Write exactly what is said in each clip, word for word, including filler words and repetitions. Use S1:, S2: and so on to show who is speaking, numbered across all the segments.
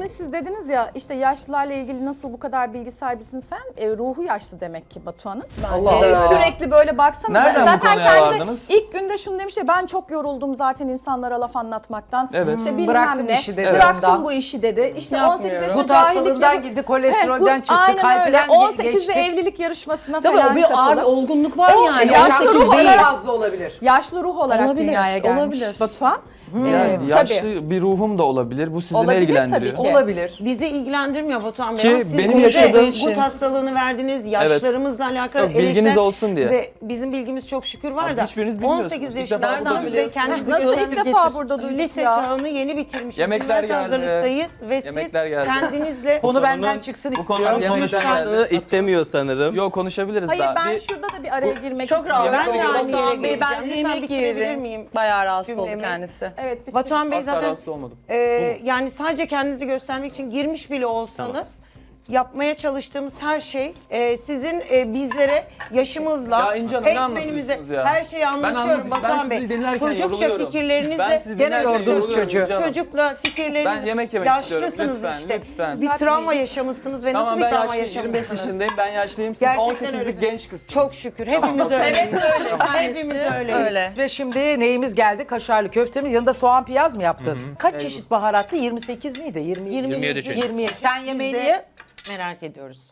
S1: Hani siz dediniz ya işte yaşlılarla ilgili nasıl bu kadar bilgi sahibisiniz falan. E, ruhu yaşlı demek ki Batuhan'ın.
S2: Allah
S1: E,
S2: Allah.
S1: sürekli böyle baksanıza.
S3: Nereden bu
S1: zaten
S3: konuya
S1: kendi de
S3: vardınız?
S1: ilk günde şunu demiş ya ben çok yoruldum zaten insanlara laf anlatmaktan.
S3: Evet.
S1: İşte
S2: Hmm,
S1: bilmem
S2: bıraktım
S1: ne.
S2: işi dedi
S1: Bıraktım
S2: ondan.
S1: bu işi dedi. İşte on sekiz
S4: Yapmıyorum.
S1: yaşında
S2: Gut hastalığından
S1: cahillikle.
S2: gitti, kolesterolden
S1: He, bu-
S2: çıktı,
S1: aynen öyle.
S2: kalpten
S1: on
S2: ge-
S1: sekizde
S2: geçtik.
S1: evlilik yarışmasına
S4: Tabii o
S1: falan
S4: bir ağır
S1: katılıp.
S4: olgunluk var
S1: O
S4: yani.
S1: yaşlı
S4: on sekiz
S1: ruh
S4: değil.
S1: olarak-
S2: fazla olabilir.
S1: Yaşlı ruh olarak
S4: Olabilir,
S1: dünyaya gelmiş
S4: olabilir.
S1: Batuhan.
S3: Yani
S1: Ee,
S3: yaşlı
S1: tabii.
S3: bir ruhum da olabilir. Bu sizi ne
S1: Olabilir
S3: ilgilendiriyor?
S1: tabii ki.
S2: Olabilir.
S5: Bizi ilgilendirmiyor Batuhan Bey.
S3: Ki
S5: Ama siz
S3: benim
S5: bize
S3: yaşadığım-
S5: gut hastalığını verdiniz, yaşlarımızla alakalı
S3: Yok, bilginiz
S5: eleştiren
S3: olsun diye.
S5: Ve bizim bilgimiz çok şükür var
S3: Abi
S5: da
S3: hiçbiriniz bilmiyorsunuz.
S5: on sekiz
S3: İlk defa
S5: yaşındasınız ve
S4: biliyorsunuz.
S5: kendinizi
S1: Nasıl ilk
S5: göstermek
S1: defa
S5: getir-
S1: burada duyduk
S5: Lise
S1: ya?
S5: çağını yeni bitirmişiz.
S3: Yemekler
S5: Üniversite
S3: geldi.
S5: hazırlıktayız ve siz
S3: Yemekler geldi.
S5: kendinizle
S2: Konu benden
S6: konunun-
S2: çıksın
S6: Bu
S2: istiyorum.
S6: konuların
S3: Yemekler
S6: konuşmasını
S3: geldi.
S6: istemiyor sanırım.
S3: Yok konuşabiliriz
S1: Hayır
S3: daha.
S1: ben
S3: Bir-
S1: şurada da bir araya girmek
S4: Çok
S1: istiyorum.
S4: rahatsız
S5: Ben de
S4: oldu.
S5: aynı
S4: Batuhan
S5: yere
S4: Bey
S5: geleceğim.
S4: bence
S5: Lütfen
S4: yemek
S5: bitirebilir
S4: yerim.
S5: miyim
S4: Bayağı rahatsız oldu
S5: cümlemi?
S4: kendisi.
S1: Evet, bir
S5: Batuhan Bey
S3: Asla
S5: zaten
S3: rahatsız olmadım.
S5: e, yani sadece kendinizi göstermek için girmiş bile olsanız yapmaya çalıştığımız her şey e, sizin e, bizlere yaşımızla,
S3: Ya İnce Hanım, ne
S5: eğitmenimize
S3: anlatıyorsunuz ya?
S5: her şeyi anlatıyorum
S3: anlatıyorum. Ben
S5: Batuhan Bey.
S3: sizi dinlerken
S5: Çocukça
S3: yoruluyorum.
S5: fikirlerinizle
S3: Ben sizi
S2: Gene
S3: dinlerken
S2: yordunuz
S3: yoruluyorum
S2: çocuğu.
S3: İnce Hanım.
S5: çocukla fikirleriniz
S3: Ben yemek yemek istiyorum.
S5: yaşlısınız
S3: Lütfen,
S5: işte.
S3: lütfen.
S5: Bir travma yaşamışsınız ve
S3: Tamam
S5: nasıl bir
S3: ben
S5: travma
S3: yaşlıyım, yirmi beş
S5: yaşamışsınız?
S3: yaşındayım, ben yaşlıyım. Siz
S5: Gerçekten
S3: on sekizlik
S5: öyle.
S3: genç kızsınız.
S5: Çok şükür hepimiz öyleyiz.
S4: Evet öyle.
S5: Hepimiz öyleyiz.
S4: Öyle.
S2: Ve şimdi neyimiz geldi? Kaşarlı köftemiz. Yanında soğan piyaz mı yaptın? Kaç çeşit baharattı? yirmi sekiz miydi? yirmi,
S5: yirmi yedi çeşit.
S2: yirmi yedi. Sen yemeğini
S5: Biz de
S2: ye.
S5: Merak ediyoruz.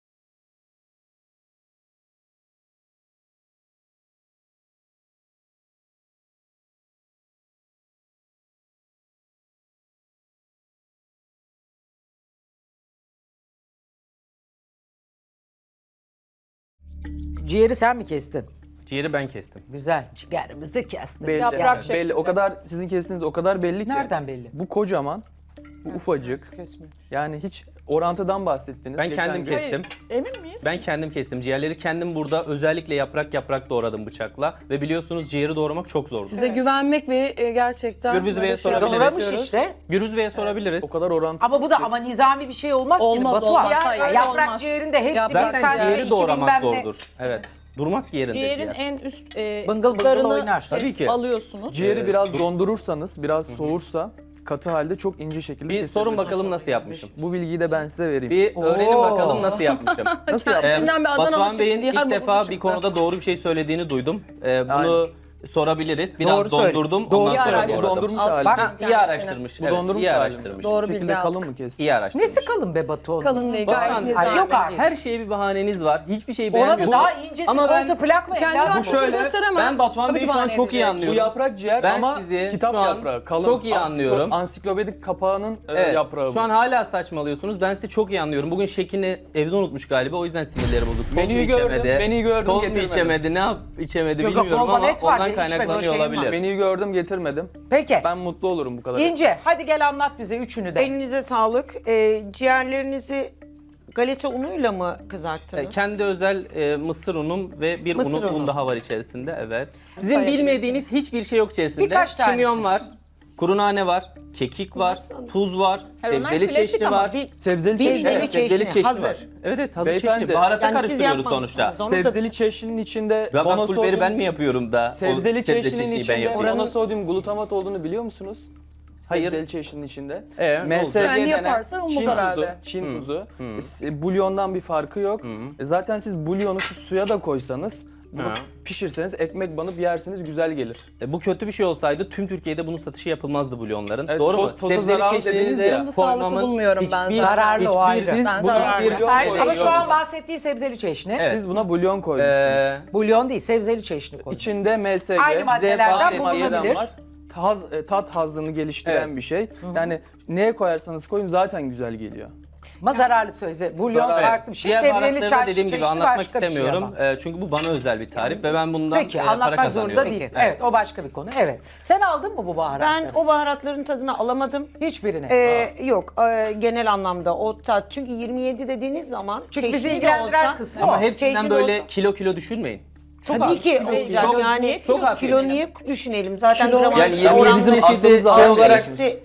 S2: Ciğeri sen mi kestin?
S6: Ciğeri ben kestim.
S2: Güzel. Ciğerimizi de kestin.
S3: Belli,
S1: Yaprak
S3: yani
S1: şeklinde.
S3: belli. O kadar sizin kestiğiniz o kadar belli ki.
S2: Nereden belli?
S3: Bu kocaman, bu ufacık. Yani hiç orantıdan bahsettiniz.
S6: Ben
S3: geçen
S6: kendim
S3: gün.
S6: kestim.
S1: Emin miyiz?
S6: Ben kendim kestim. Ciğerleri kendim burada özellikle yaprak yaprak doğradım bıçakla. Ve biliyorsunuz ciğeri doğramak çok zordur.
S4: Size güvenmek ve e, gerçekten
S6: Gürbüz
S4: böyle
S6: Bey'e
S4: şey
S6: sorabiliriz.
S4: yapmak
S2: Doğramış
S4: istiyoruz.
S2: işte.
S6: Gürüz Bey'e sorabiliriz.
S3: O kadar orantısız
S2: Ama bu da
S3: ki.
S2: ama nizami bir şey olmaz
S4: Olmaz,
S2: ki Batuhan.
S4: olmaz.
S2: Ya,
S4: Hayır,
S2: yaprak
S1: olmaz.
S2: ciğerinde hepsi
S4: Yaprak
S2: bir
S6: Zaten
S2: saat ve
S6: ciğeri
S2: iki
S6: doğramak
S2: bilmem ne.
S6: zordur. Evet. Durmaz ki yerinde
S1: Ciğerin
S6: ciğer.
S1: en üst e,
S2: Bıngıl bıngıl
S1: zarını
S2: oynar.
S1: kes-
S6: Tabii ki.
S1: alıyorsunuz.
S3: Ciğeri
S6: Ee,
S3: biraz
S6: dur.
S3: dondurursanız, biraz soğursa katı halde çok ince şekilde
S6: Bir sorun
S3: kesebilirsiniz.
S6: bakalım nasıl yapmışım.
S3: Bu bilgiyi de ben size vereyim.
S6: Bir öğrenin
S2: Oo.
S6: bakalım nasıl yapmışım.
S3: Nasıl
S4: Kendi-
S3: yaptın?
S4: İçinden bir Adana
S6: Batuhan
S4: çıktı,
S6: Bey'in ilk
S4: Diyarbakır
S6: defa
S4: çıktı.
S6: bir konuda doğru bir şey söylediğini duydum. Ee, bunu
S3: Aynen.
S6: sorabiliriz. Biraz
S2: Doğru söyle.
S6: dondurdum.
S2: Doğru
S6: ondan sonra
S1: araştırmış.
S6: doğradım.
S3: Dondurmuş
S4: Al,
S3: hali.
S4: bak.
S6: Ha, iyi
S4: Kendisine.
S6: araştırmış.
S3: Bu
S6: Evet,
S3: dondurmuş
S6: iyi
S3: hali.
S6: araştırmış.
S4: Doğru
S3: Bu şekilde
S4: bilgi
S3: kalın
S4: aldık.
S3: mı kestin?
S6: İyi araştırmış.
S2: Nesi kalın be Batuhan?
S4: Kalın değil gayet
S6: Batuhan,
S4: nizami.
S2: Ay, yok artık.
S6: Her şeye bir bahaneniz var. Hiçbir şeyi
S2: Ona da
S6: beğenmiyorsunuz.
S2: daha incesi
S6: Ama ben-
S2: kontra plak mı?
S4: Kendi
S2: evladım?
S4: rahatsız
S6: şöyle,
S4: gösteremez.
S6: ben Batuhan
S4: Tabii
S6: Bey'i
S4: ki
S6: şu an
S4: bahane
S6: çok iyi
S4: edecek.
S3: Bu
S6: anlıyorum.
S3: yaprak ciğer
S6: Ben
S3: ama
S6: sizi
S3: kitap
S6: şu an
S3: yaprağı, kalın.
S6: çok iyi
S3: Ansiklo-
S6: anlıyorum.
S3: Ansiklopedik kapağının e,
S6: Evet,
S3: yaprağı
S6: şu
S3: bu.
S6: an hala saçmalıyorsunuz. Ben sizi çok iyi anlıyorum. Bugün şekini evde unutmuş galiba. O yüzden sinirleri bozuk. Toz mu
S3: Menüyü gördüm,
S6: içemedi,
S3: menüyü gördüm,
S6: Toz mu
S3: getirmedim.
S6: içemedi, ne yap içemedi
S2: Yok,
S6: bilmiyorum
S2: bol
S6: ama
S2: et var,
S6: ondan
S2: benim içmek
S6: kaynaklanıyor
S2: o şeyim var.
S6: olabilir.
S3: Menüyü gördüm, getirmedim.
S2: Peki.
S3: Ben mutlu olurum bu kadar.
S2: İnce hadi gel anlat bize üçünü de.
S5: Elinize sağlık. Ee, ciğerlerinizi galeta unuyla mı kızarttınız?
S6: E, Kendi özel e, mısır unum ve bir
S5: Mısır
S6: unu,
S5: unu.
S6: un daha var içerisinde. Evet. Sizin
S1: Sayabilirsiniz.
S6: bilmediğiniz hiçbir şey yok içerisinde.
S2: Birkaç tanesi.
S6: Kimyon var, kuru nane var, kekik var, tuz var,
S1: Hayır, onlar
S6: sebzeli
S1: klasik
S6: çeşni
S1: ama
S6: var.
S1: bil-
S3: Sebzeli
S5: Sebzeli
S3: çeşni.
S6: Evet, sebzeli
S5: çeşni,
S6: çeşni
S5: hazır.
S6: var. Evet evet hazır
S3: Beyefendi,
S6: çeşni. Baharata
S5: yani siz
S6: karıştırıyoruz
S5: yapmamışsınız
S6: sonuçta.
S5: onu.
S3: Sebzeli çeşninin içinde
S6: Ve ben
S3: monosodyum-
S6: pul biberi ben mi yapıyorum da? o
S3: Sebzeli
S6: sebze
S3: çeşninin
S6: çeşniyi ben
S3: içinde
S6: yapıyorum.
S3: monosodyum glutamat olduğunu biliyor musunuz?
S6: Hayır.
S3: Sebzeli çeşninin içinde.
S6: Ee, ne
S3: M S G
S6: olacak?
S4: Kendi
S3: denen
S4: yaparsa olmaz
S3: Çin tuzu,
S4: herhalde.
S3: Çin tuzu. E, Bulyondan bir farkı yok. E, Zaten siz bulyonu şu suya da koysanız, bunu
S6: Ha.
S3: pişirseniz, ekmek banıp yersiniz, güzel gelir.
S6: E, bu kötü bir şey olsaydı tüm Türkiye'de bunun satışı yapılmazdı bulyonların.
S3: Evet,
S6: Doğru
S3: toz-
S6: mu?
S3: toza zararlı
S6: çeşnini
S3: dediniz
S6: de
S3: ya.
S4: Onu da sağlıklı
S6: koymamın
S4: bulmuyorum ben
S6: hiçbir-
S2: Zararlı o ayrı.
S6: hiçbir-
S3: Siz
S4: Ben
S3: buna
S4: zararlı.
S3: bulyon
S2: Her şey, ama
S3: koydunuz.
S2: şu an bahsettiği sebzeli çeşni.
S6: Evet.
S3: Siz buna bulyon koydunuz.
S6: Ee,
S2: Bulyon değil, sebzeli çeşni koy.
S3: İçinde M S G,
S2: Aynı maddelerden
S3: maddeden
S2: bulunabilir.
S3: var. Haz, e, tat hazzını geliştiren
S6: Evet.
S3: bir şey. Yani neye koyarsanız koyun zaten güzel geliyor.
S2: Ama zararlı sözde. Bulyon
S3: Zararlı.
S2: farklı bir şey.
S6: Diğer
S2: Sebzeli
S6: baharatları da
S2: çarşı
S6: dediğim gibi
S2: çeşni
S6: anlatmak
S2: başka bir şey
S6: istemiyorum.
S2: ama.
S6: E, çünkü bu bana özel bir tarif ve ben bundan
S2: Peki
S6: e, para
S2: anlatmak
S6: kazanıyorum.
S2: zorunda değilsin. Evet. o başka bir konu. Evet. Sen aldın mı bu baharatları?
S5: Ben o baharatların tadını alamadım.
S2: Hiçbirini.
S5: Ee, yok e, genel anlamda o tat. Çünkü yirmi yedi dediğiniz zaman
S2: Çünkü bizi
S5: çeşni de
S2: ilgilendiren
S5: olsa-
S2: kısmı
S6: Ama
S2: o.
S6: hepsinden
S5: Çeşni de
S6: böyle
S5: olsa-
S6: kilo kilo düşünmeyin. Çok
S5: Tabii
S6: az.
S5: ki
S6: Çok-
S5: olacak
S6: çok-
S5: yani
S6: çok az
S5: kilo
S6: düşünelim.
S5: niye düşünelim zaten
S4: Kilo
S5: gramaj
S6: Yani yirmi
S5: oranla
S6: bizim
S5: hepsi
S6: aklımızda
S3: almıyorsunuz.
S5: hepsi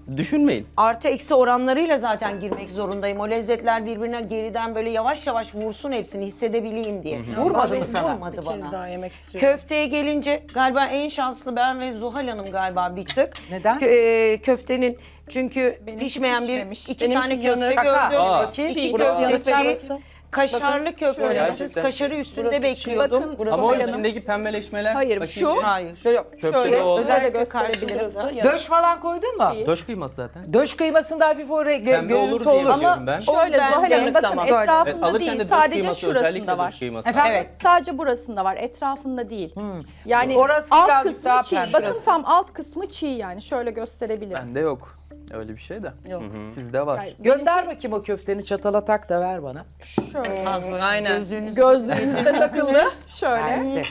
S6: Düşünmeyin.
S5: Artı eksi oranlarıyla zaten girmek zorundayım. O lezzetler birbirine geriden böyle yavaş yavaş vursun hepsini hissedebileyim diye.
S2: Vurmadı
S5: Bana-
S2: mı sana?
S5: Vurmadı
S4: Bir kez
S5: bana.
S4: daha yemek istiyorum.
S5: Köfteye gelince galiba en şanslı ben ve Zuhal Hanım galiba bir tık.
S2: Neden?
S5: Kö- e, köftenin çünkü
S1: Benimki
S5: pişmeyen bir
S1: pişmemiş.
S5: iki
S4: Benimki
S5: tane
S4: yanık.
S5: köfte
S2: Şaka.
S5: gördüm.
S6: Aa.
S5: İki
S2: Çiğ,
S4: burası yanık ve
S5: köfteci,
S4: burası-
S5: kaşarlı
S4: Bakın,
S5: köfte.
S1: şöyle.
S5: Siz
S3: Gerçekten.
S5: kaşarı üstünde
S4: Burası çiğ.
S5: bekliyordum.
S1: Bakın
S4: Burası
S6: Ama o
S1: Zuhal Hanım.
S6: içindeki pembeleşmeler.
S1: Hayır,
S6: bakayım
S1: şu-
S6: bir.
S5: Hayır.
S3: Köfte
S1: Şöyle
S3: de o.
S1: özellikle
S5: Özellikle karşı
S1: gösterebilirim.
S4: burası yanık.
S2: Döş falan koydun mu?
S1: Çiğ.
S6: Döş kıyması zaten.
S2: Döş kıymasında hafif o re-
S6: Pembe olur
S2: görüntü
S6: diye
S2: olur.
S6: biliyorum
S1: Ama
S6: ben.
S1: şöyle
S5: O
S1: Zuhal Hanım
S4: yanık
S1: bakın
S4: tamam.
S6: Evet,
S1: etrafında
S6: alırken
S1: değil
S6: de döş
S1: sadece
S6: kıyması,
S1: şurasında
S6: özellikle
S1: var.
S6: döş kıyması.
S2: Efendim?
S5: Evet.
S1: Sadece burasında var, etrafında değil. Yani
S2: Orası
S1: alt
S2: birazcık
S1: kısmı
S2: daha
S1: çiğ.
S2: pembe.
S1: Bakın tam alt kısmı çiğ yani. Şöyle gösterebilirim.
S3: Bende yok. Öyle bir şey de.
S4: Yok.
S3: Sizde var.
S1: Yani
S2: Gönder bakayım o köfteni çatala tak da ver bana.
S1: şöyle.
S4: Aynen.
S1: Gözlüğünüz de takıldı. Şöyle.
S2: Mersi.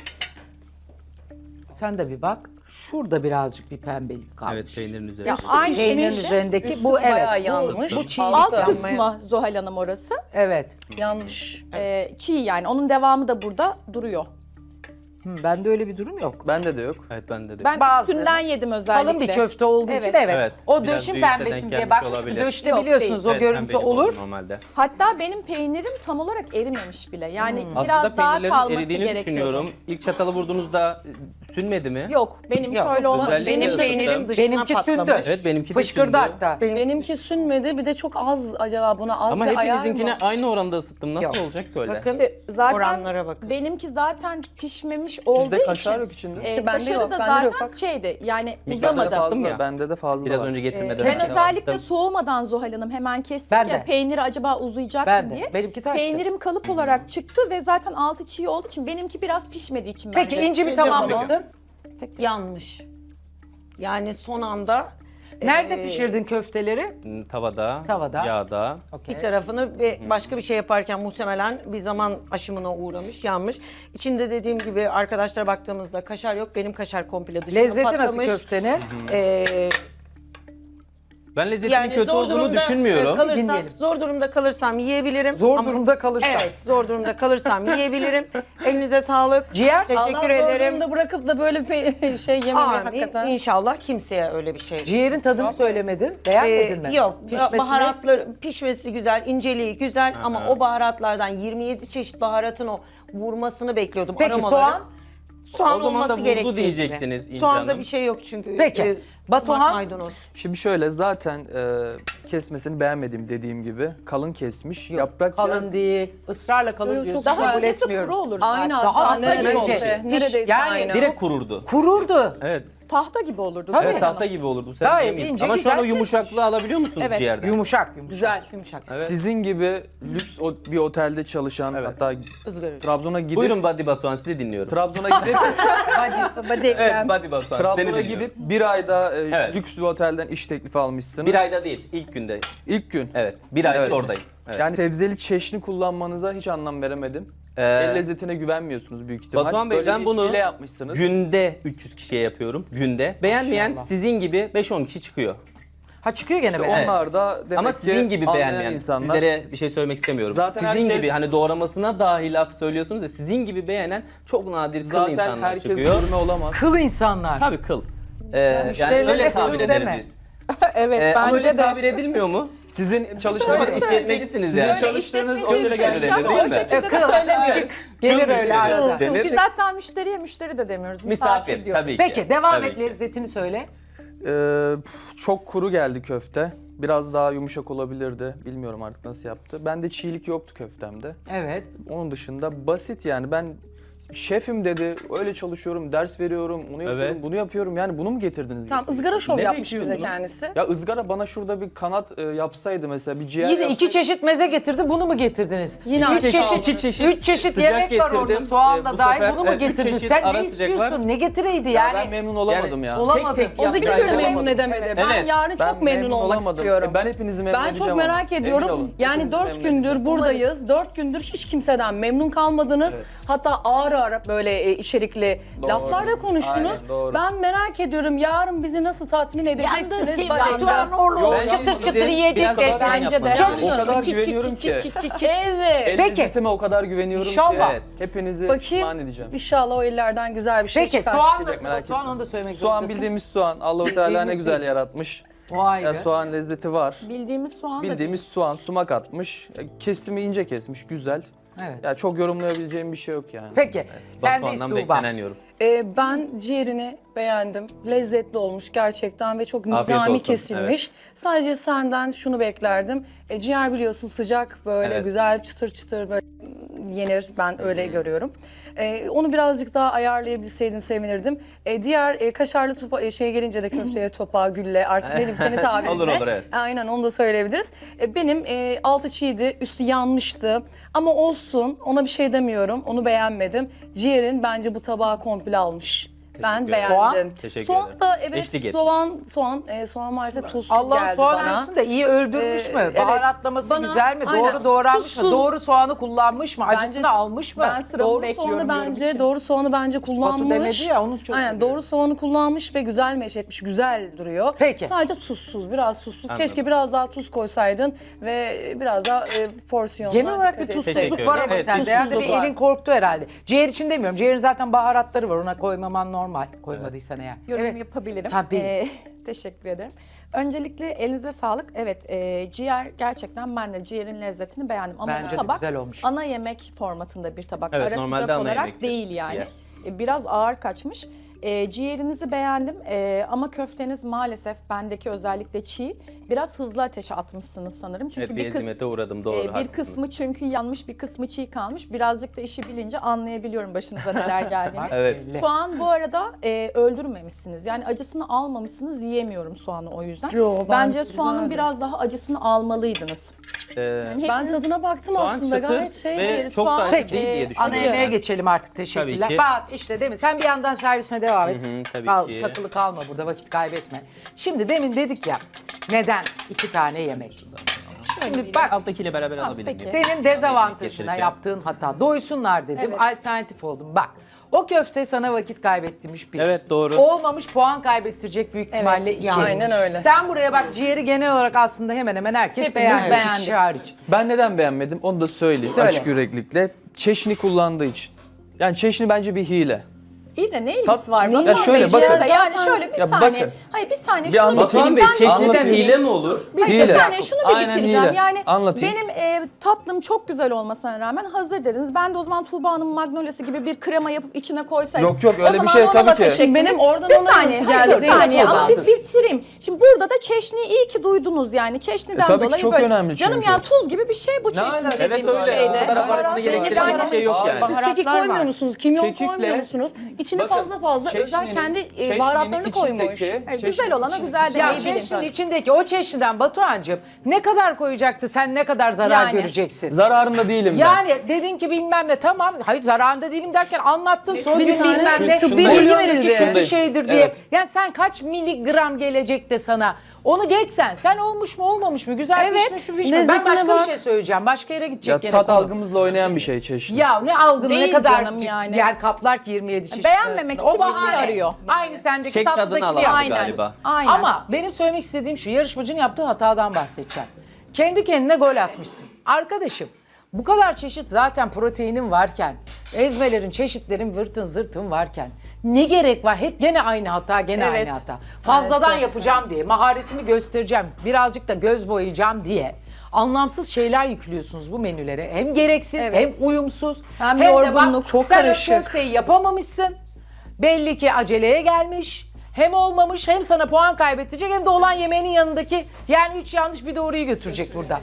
S2: Sen de bir bak. Şurada birazcık bir pembelik kalmış.
S6: Evet peynirin üzerinde.
S1: Ya aynı
S2: Peynirin
S1: şekilde
S2: üzerindeki
S4: Üstü
S2: bu evet.
S4: bayağı
S2: Bu,
S4: yanmış.
S2: bu çiğ.
S1: alt
S4: Yanmaya-
S1: kısmı Zuhal Hanım orası.
S2: Evet.
S4: Yanlış.
S1: Ee, çiğ yani. Onun devamı da burada duruyor.
S2: Hı, bende öyle bir durum yok.
S3: Bende de yok.
S6: Evet bende de.
S1: Ben
S2: Bazı-
S1: üstünden yedim özellikle.
S2: Kalın bir köfte olduğu için
S1: Evet.
S2: evet.
S6: Evet,
S2: O
S6: biraz
S2: döşün
S6: büyükse
S2: pembesin
S6: denk
S2: diye
S6: gelmiş
S2: bakmış.
S6: olabilir.
S2: Döşte
S1: Yok,
S2: biliyorsunuz
S1: değil.
S2: o
S6: Evet,
S2: görüntü
S6: pembelik
S2: olur.
S6: normalde.
S1: Hatta benim peynirim tam olarak erimemiş bile. Yani
S6: Aslında
S1: biraz daha
S6: peynirlerin
S1: kalması
S6: eridiğini
S1: gerekiyordu.
S6: düşünüyorum. İlk çatalı vurduğunuzda e, sünmedi mi?
S1: Yok benim
S2: Yok,
S1: öyle olmadı.
S6: özellikle
S5: Benim
S6: ısıttım.
S5: peynirim dışına
S2: Benimki
S5: patlamış.
S2: sündü.
S6: Evet benimki de
S2: Fışkırdı
S6: sündü.
S2: hatta.
S4: Benimki sünmedi. Bir de çok az acaba buna az
S6: Ama
S4: bir ayar
S6: hepinizinkine
S4: mı?
S6: aynı oranda ısıttım. Nasıl
S2: Yok.
S6: olacak böyle?
S5: Bakın
S1: İşte zaten
S5: oranlara bakın.
S1: benimki zaten pişmemiş olduğu
S3: Sizde kaşar
S1: için
S3: yok içinde.
S1: e,
S4: İşte bende
S1: kaşarı
S4: yok,
S1: da
S4: bende
S1: zaten
S4: yok, bak.
S1: şeydi yani
S6: Miktarda
S3: Bende de
S1: uzamadı.
S6: Sattım
S3: fazla,
S6: ya.
S3: bende de fazla
S6: Biraz
S3: var.
S6: önce
S1: Ee,
S6: getirmeden
S1: ben
S6: önce
S1: özellikle
S6: attım.
S1: soğumadan Zuhal Hanım hemen kestik
S2: Ben
S1: ya
S2: de.
S1: peyniri acaba uzayacak
S2: Ben
S1: mı
S2: de.
S1: diye.
S2: Benimki taştı.
S1: Peynirim kalıp olarak çıktı ve zaten altı çiğ olduğu için benimki biraz pişmediği için
S2: Peki
S1: bence.
S2: inci bir tamamlasın.
S5: Yanlış. Yani son anda
S2: Nerede
S5: Ee,
S2: pişirdin köfteleri?
S6: Hmm, Tavada,
S2: Tavada.
S6: yağda.
S2: Okey.
S5: bir tarafını ve başka bir şey yaparken muhtemelen bir zaman aşımına uğramış, yanmış. İçinde dediğim gibi arkadaşlara baktığımızda kaşar yok. Benim kaşar komple dışına
S2: Lezzeti nasıl
S5: patlamış.
S2: köftenin?
S5: Ee,
S6: Ben lezzetinin
S5: yani
S6: kötü
S5: zor
S6: olduğunu
S5: durumda
S6: düşünmüyorum.
S5: e, kalırsam,
S2: Dinleyelim.
S5: zor durumda kalırsam yiyebilirim.
S2: Zor
S5: Ama-
S2: durumda kalırsan.
S5: Evet, zor durumda kalırsam yiyebilirim. Elinize sağlık.
S2: Ciğer?
S5: Teşekkür
S4: Allah zor
S5: ederim.
S4: durumda bırakıp da böyle bir şey yememeyi
S5: Amin.
S4: hakikaten.
S5: İnşallah kimseye öyle bir şey.
S2: Ciğerin tadını söylemedin. Beğenmedin
S5: Ee,
S2: mi?
S5: Yok,
S2: Pişmesini?
S5: baharatlar pişmesi güzel, inceliği güzel ama o baharatlardan yirmi yedi çeşit baharatın o vurmasını bekliyordum.
S2: Peki
S5: aromaları.
S2: soğan?
S5: Soğan
S6: O zaman
S5: olması
S6: da vurdu
S5: gerektiği
S6: diyecektiniz
S5: gibi.
S6: İnci
S5: Soğanda
S6: Hanım.
S5: bir şey yok çünkü.
S2: Peki.
S5: Ee,
S2: Batuhan?
S5: sumak maydanoz.
S3: Şimdi şöyle zaten e, kesmesini beğenmedim dediğim gibi. Kalın kesmiş.
S2: Yok,
S3: Yaprak
S2: kalın
S3: yağı-
S2: değil. Israrla kalın
S4: Yok,
S2: diyorsun.
S4: çok
S2: Kabul
S1: Daha
S4: güzel.
S1: ötesi
S2: etmiyorum.
S1: kuru olur zaten.
S4: Aynı
S2: Daha
S4: hatta
S2: az
S4: neredeyse.
S2: bence.
S4: Neredeyse
S2: Yani
S4: aynı.
S6: Direkt kururdu.
S2: Kururdu.
S6: Evet.
S1: Tahta gibi olurdu.
S2: Tabii.
S1: Zuhal
S6: Evet
S1: Hanım.
S6: tahta gibi olurdu. Sen
S2: Gayet
S6: diyemeyiz.
S2: ince,
S6: Ama şu an o
S2: güzel
S6: yumuşaklığı
S2: kesmiş.
S6: alabiliyor musunuz
S1: Evet.
S6: ciğerden?
S2: Yumuşak, yumuşak.
S4: Güzel.
S2: Yumuşak.
S3: Sizin gibi lüks o- bir otelde çalışan
S6: Evet.
S3: hatta
S5: Izgara.
S3: Trabzon'a gidip
S6: Buyurun Badi Batuhan sizi dinliyorum.
S3: Trabzon'a gidip
S6: Evet Badi Batuhan seni
S3: Trabzon'a
S6: dinliyorum.
S3: gidip bir ayda e,
S6: Evet.
S3: lüks bir otelden iş teklifi almışsınız.
S6: Bir ayda değil ilk günde.
S3: İlk gün.
S6: Evet bir aydır
S3: Evet.
S6: oradayım. Evet.
S3: Yani sebzeli çeşni kullanmanıza hiç anlam veremedim.
S6: Ee,
S3: El lezzetine güvenmiyorsunuz büyük ihtimal.
S6: Batuhan Bey
S3: Böyle
S6: ben
S3: bir
S6: bunu
S3: hile yapmışsınız.
S6: günde üç yüz kişiye yapıyorum. Günde. Beğenmeyen
S2: Maşallah.
S6: sizin gibi beş on kişi çıkıyor.
S2: Ha çıkıyor gene
S3: İşte
S2: be.
S3: onlar da demek
S6: Ama
S3: ki
S6: sizin gibi
S3: anlayan
S6: beğenmeyen,
S3: insanlar.
S6: sizlere bir şey söylemek istemiyorum.
S3: Zaten
S6: sizin
S3: herkes-
S6: gibi hani doğramasına dahi laf söylüyorsunuz ya sizin gibi beğenen çok nadir kıl
S3: Zaten
S6: insanlar
S3: herkes
S6: çıkıyor.
S3: gurme olamaz.
S2: Kıl insanlar.
S6: Tabii kıl. Ee, yani
S2: müşterilerine
S6: öyle
S2: kıl
S6: tabir ederiz
S2: deme.
S6: biz.
S1: Evet
S6: Ee, ama öyle
S1: bence de.
S6: tabir edilmiyor mu?
S3: Sizin çalıştığınız
S6: Siz işletmecisiniz
S3: Sizin
S6: yani.
S3: çalıştığınız
S1: işletmeciyiz
S3: otele
S1: tabii
S3: gelmedi
S1: ama
S6: değil
S1: o
S6: mi?
S1: şekilde de
S2: Kıl.
S1: söylemiyoruz.
S2: Gelir
S6: Kıl
S2: öyle
S6: müşteri
S2: arada.
S6: denir.
S1: Biz hatta müşteriye müşteri de demiyoruz. Misafir,
S6: Misafir
S1: diyoruz.
S6: tabii ki.
S2: Peki devam
S6: Tabii
S2: et
S6: ki.
S2: lezzetini söyle.
S3: Ee, pf, çok kuru geldi köfte. Biraz daha yumuşak olabilirdi. Bilmiyorum artık nasıl yaptı. Bende çiğlik yoktu köftemde.
S2: Evet.
S3: Onun dışında basit yani ben şefim dedi, öyle çalışıyorum, ders veriyorum, onu yapıyorum,
S6: Evet.
S3: bunu yapıyorum. Yani bunu mu getirdiniz?
S4: Tamam
S3: bize?
S4: ızgara şov
S6: Ne
S4: yapmış bize
S6: bekliyordunuz?
S4: kendisi.
S3: Ya ızgara bana şurada bir kanat e, yapsaydı mesela, bir ciğer
S2: İyi de iki
S3: yapsaydı.
S2: çeşit meze getirdi, bunu mu getirdiniz?
S4: Yine
S2: üç
S4: aynı
S2: çeşit,
S4: şey.
S6: İki çeşit
S2: üç çeşit
S6: sıcak
S2: yemek var orada,
S6: getirdim.
S2: soğan
S6: Ee,
S2: da
S6: bu
S2: dahil,
S6: sefer,
S2: bunu mu
S6: evet, üç
S2: getirdin?
S6: çeşit
S2: Sen
S6: ara
S2: ne
S6: sıcak
S2: istiyorsun?
S6: var.
S2: Ne getireydi
S3: Ya
S2: yani?
S3: ben memnun olamadım ya.
S2: Olamadı.
S6: Tek tek
S4: O da
S6: yapacak
S4: kimse
S6: olamadı.
S4: memnun edemedi. Ben
S6: Evet.
S4: yarın
S3: Ben
S4: çok memnun
S3: memnun
S4: olmak
S3: olamadım.
S4: istiyorum.
S3: E, ben hepinizi memnun
S4: Ben çok
S3: edeceğim
S4: merak
S3: ama. Emin
S4: ediyorum.
S3: olun,
S4: Yani
S3: hepinizi
S4: dört
S3: memnun
S4: gündür
S3: edeceğim.
S4: buradayız. Dört gündür hiç kimseden memnun kalmadınız.
S3: Evet.
S4: Hatta ağır ağır böyle e, içerikli
S3: Doğru.
S4: laflar da konuştunuz.
S3: Aynen, doğru.
S4: Ben merak ediyorum yarın bizi nasıl tatmin edeceksiniz? Bana-
S5: Batuhan oğlum
S6: Bence
S5: çıtır
S6: sizin
S5: çıtır yiyecek
S6: biraz
S5: de.
S6: daha
S1: Bence
S6: yapmanız
S1: de.
S6: lazım.
S3: O kadar
S5: Çıt çıt
S3: güveniyorum
S5: çıt
S3: ki.
S5: çıt çıt çıt.
S4: Evet.
S3: El
S2: Peki.
S3: lezzetime o kadar güveniyorum
S2: İnşallah.
S3: ki.
S6: Evet.
S3: Hepinizi
S4: Bakayım.
S3: pişman edeceğim.
S4: İnşallah o ellerden güzel bir şey
S2: Peki
S4: çıkar.
S2: soğan
S3: Merak
S2: nasıl? Batuhan
S3: etme.
S2: onu da söylemek
S3: Soğan
S2: zorundasın.
S3: bildiğimiz soğan. Allah-u Teala ne
S2: Bildiğimiz
S3: güzel
S2: değil.
S3: yaratmış.
S2: O ayrı.
S3: Ya soğan lezzeti var.
S1: Bildiğimiz soğan da
S3: Bildiğimiz soğan, sumak atmış. Ya Kesimi ince kesmiş, güzel.
S2: Evet.
S3: Ya çok yorumlayabileceğim bir şey yok yani.
S2: Peki. Sen de
S6: Batuhan'dan
S2: Tuğba.
S6: beklenen yorum.
S4: Ee, ben ciğerini beğendim. Lezzetli olmuş gerçekten ve çok
S6: Afiyet
S4: nizami
S6: olsun,
S4: kesilmiş. Sadece senden şunu beklerdim. E, ciğer biliyorsun sıcak böyle
S6: Evet.
S4: güzel çıtır çıtır böyle yenir. Ben öyle görüyorum. E, onu birazcık daha ayarlayabilseydin sevinirdim. E, diğer e, kaşarlı topa, e, şey gelince de köfteye, topağa, gülle artık benim senin tabirinle.
S6: Olur, olur, evet.
S4: Aynen onu da söyleyebiliriz. E, benim e, altı çiğdi, üstü yanmıştı. Ama olsun ona bir şey demiyorum. Onu beğenmedim. Ciğerin bence bu tabağı komple almış. Ben
S6: ederim.
S4: beğendim.
S2: Soğan?
S6: Teşekkür
S4: soğan
S6: ederim.
S4: da evet
S6: Eşlik etmiş.
S4: soğan soğan e, soğan maalesef tuzsuz
S2: Allah
S4: geldi
S2: soğan
S4: bana.
S2: arasında iyi öldürmüş
S4: Ee,
S2: mü?
S4: evet.
S2: Baharatlaması
S4: Bana-
S2: güzel mi?
S4: aynen.
S2: Doğru doğranmış mı?
S4: Tuzsuz.
S2: Doğru soğanı kullanmış mı?
S4: Bence-
S2: Acısını almış mı?
S1: Ben sıramı
S4: Doğru
S1: bekliyorum
S4: soğanı
S1: yorum
S4: bence
S1: için.
S4: doğru soğanı bence kullanmış.
S2: demedi ya, onu çok
S4: Aynen
S2: seviyorum.
S4: doğru soğanı kullanmış ve güzel meş etmiş. Güzel duruyor.
S2: Peki.
S4: Sadece tuzsuz, biraz tuzsuz.
S6: Anladım.
S4: Keşke biraz daha tuz koysaydın ve biraz daha e, porsiyonla
S2: Genel olarak bir
S4: dikkat
S2: tuzsuzluk
S4: etseydin.
S6: Teşekkür
S2: var
S6: ederim.
S2: ama
S6: Evet,
S2: sende. Yani bir
S4: tuzsuzluk var.
S2: elin korktu herhalde. Ciğer için demiyorum. Ciğerin zaten baharatları var. Ona koymaman normal. Koymadıysan eğer.
S1: Yorum
S2: Evet.
S1: yapabilirim.
S2: Tabii.
S1: Ee, teşekkür ederim. Öncelikle elinize sağlık. Evet, e, ciğer gerçekten ben de ciğerin lezzetini beğendim. Ama
S2: Bence de
S1: bu tabak
S2: güzel olmuş.
S1: ana yemek formatında bir tabak.
S6: Evet,
S1: Ara
S6: normalde
S1: sıcak
S6: ana
S1: olarak
S6: yemektir
S1: değil yani.
S6: ciğer.
S1: E, Biraz ağır kaçmış. E, ciğerinizi beğendim e, ama köfteniz maalesef bendeki özellikle çiğ. Biraz hızlı ateşe atmışsınız sanırım. Çünkü
S6: Evet, bir
S1: bir, kız,
S6: ezimete uğradım, doğru,
S1: e, bir
S6: haklısınız.
S1: kısmı çünkü yanmış, bir kısmı çiğ kalmış. Birazcık da işi bilince anlayabiliyorum başınıza neler geldiğini.
S6: Evet.
S2: Belli.
S1: Soğan bu arada e, öldürmemişsiniz. Yani acısını almamışsınız, yiyemiyorum soğanı o yüzden.
S4: Yo,
S1: Bence
S4: bence
S1: soğanın
S4: güzeldi.
S1: biraz daha acısını almalıydınız.
S6: Ee,
S1: Yani
S4: Ben
S1: hepiniz-
S4: tadına baktım
S6: soğan
S4: aslında
S6: çıtır
S4: gayet şey.
S6: ve
S1: değil,
S6: çok da
S1: soğan-
S6: acı
S2: Peki,
S6: değil diye
S1: e,
S6: düşünüyorum.
S2: Ana
S1: Acı.
S2: yemeğe geçelim artık. Teşekkürler.
S6: Tabii ki.
S2: Bak işte değil mi? Sen bir yandan servisine devam et.
S6: Hı hı, tabii
S2: Kal-
S6: ki.
S2: Takılı kalma burada, vakit kaybetme. Şimdi demin dedik ya, neden iki tane yemek? Şimdi bak,
S6: Alttakiyle beraber alabilir
S1: peki.
S6: miyim?
S2: senin dezavantajına
S6: Getireceğim.
S2: yaptığın hata. Doysunlar dedim,
S1: Evet.
S2: alternatif oldum. Bak, o köfte sana vakit kaybettirmiş bir.
S6: Evet, doğru.
S2: Olmamış, puan kaybettirecek büyük ihtimalle iki.
S4: aynen öyle.
S2: Sen buraya bak, ciğeri genel olarak aslında hemen hemen herkes
S1: Hepimiz
S2: beğendi. İki
S1: beğendik.
S2: kişi hariç.
S3: Ben neden beğenmedim onu da söyleyeyim
S2: Söyle.
S3: açık yüreklikle. Çeşni kullandığı için. Yani çeşni bence bir hile.
S1: İyi de ne ilgisi
S3: Tat-
S1: var?
S3: Ya
S1: Batuhan
S3: şöyle,
S1: Bey,
S3: bakın.
S1: burada Yani şöyle bir
S3: Ya
S1: saniye.
S3: bakın.
S1: Hayır bir saniye
S3: Bir
S1: şunu
S3: anlatayım.
S6: Batuhan
S1: bitireyim.
S6: Bey,
S1: Ben şunu
S6: çeşniden
S1: bitireyim.
S6: hile mi olur?
S1: Hayır
S3: Hile.
S1: bir saniye şunu bir
S3: Aynen
S1: bitireceğim.
S3: hile.
S1: Yani
S3: Anlatayım.
S1: benim e, tatlım çok güzel olmasına rağmen hazır dediniz. Ben de o zaman Tuğba'nın Magnolia'sı gibi bir krema yapıp içine koysaydım.
S3: Yok, yok,
S1: O
S3: öyle bir
S1: zaman
S3: şey
S1: ona
S3: tabii
S1: laf
S3: ki.
S1: edecektiniz.
S4: Benim oradan
S1: bir
S4: ona
S1: saniye,
S4: nasıl
S1: hayır,
S4: geldi?
S1: bir saniye
S4: Zeynep
S1: ama bir
S4: Ozan'dır.
S1: bitireyim. Şimdi burada da çeşniyi iyi ki duydunuz yani. Çeşniden
S3: E, tabii ki
S1: dolayı
S3: çok
S1: böyle.
S3: önemli
S1: Canım
S3: çünkü.
S1: yani tuz gibi bir şey bu çeşni
S3: alaka?
S6: Evet
S1: dediğim
S6: öyle.
S1: şeyde.
S6: O kadar abartmanı gerektiren
S1: Yani-
S6: bir şey yok yani.
S4: Siz kekik
S2: Baharatlar
S4: koymuyor
S2: var.
S4: musunuz? Kimyon
S3: Kekikle-
S4: koymuyor musunuz? İçine
S3: Bakın,
S4: fazla fazla özel
S3: çeşninin-
S4: kendi e,
S3: çeşninin
S4: baharatlarını koymuş.
S3: içindeki-
S1: Hayır,
S3: çeşninin
S1: güzel olana
S3: içindeki-
S1: güzel
S2: Ya
S1: demeyi bilin.
S2: çeşnin içindeki o çeşniden Batuhan'cığım ne kadar koyacaktı, sen ne kadar zarar
S1: Yani.
S2: göreceksin?
S3: Zararında değilim ben.
S2: Yani dedin ki bilmem ne, tamam, hayır zararında değilim derken anlattın, son
S4: Bir
S2: gün
S4: tane
S2: bilmem
S3: şu-
S2: ne,
S3: tıbbi
S2: bu
S3: bilgi
S2: milyondaki
S4: verildi.
S2: kötü
S3: Şundayım.
S2: şeydir diye.
S3: Evet.
S2: Yani sen kaç miligram gelecek de sana, onu geçsen, sen olmuş mu olmamış mı, güzel
S1: Evet.
S2: pişmiş mi pişmiş mi? Ben
S4: Lezzetine
S2: başka
S4: bak.
S2: bir şey söyleyeceğim, başka yere gidecek
S3: Ya
S2: gene
S3: tat
S2: konu.
S3: algımızla oynayan bir şey çeşni.
S2: Ya ne algını, ne
S1: Değil
S2: kadar
S1: canım yani.
S2: yer kaplar ki yirmi yedi çeşit
S1: Beğenmemek
S2: arasında.
S1: için bir şey
S2: bahane.
S1: arıyor.
S2: Aynı sendeki
S6: Şek tadını
S2: tatlıdakini
S6: alalım
S2: yap.
S1: Aynen.
S6: galiba.
S1: Aynen.
S2: Ama benim söylemek istediğim şu, yarışmacının yaptığı hatadan bahsedeceğim. Kendi kendine gol atmışsın. Arkadaşım, bu kadar çeşit zaten proteinin varken, ezmelerin, çeşitlerin vırtın zırtın varken ne gerek var? Hep gene aynı hata, gene
S1: Evet.
S2: aynı hata. Fazladan
S1: Maalesef.
S2: yapacağım diye, maharetimi göstereceğim, birazcık da göz boyayacağım diye anlamsız şeyler yüklüyorsunuz bu menülere. Hem gereksiz,
S1: Evet.
S2: hem uyumsuz.
S1: Hem
S2: de
S1: yorgunluk,
S2: bak,
S1: çok
S2: sen o
S1: karışık.
S2: köfteyi yapamamışsın. Belli ki aceleye gelmiş. Hem olmamış, hem sana puan kaybettirecek, hem de olan yemeğinin yanındaki, yani üç yanlış bir doğruyu götürecek burada.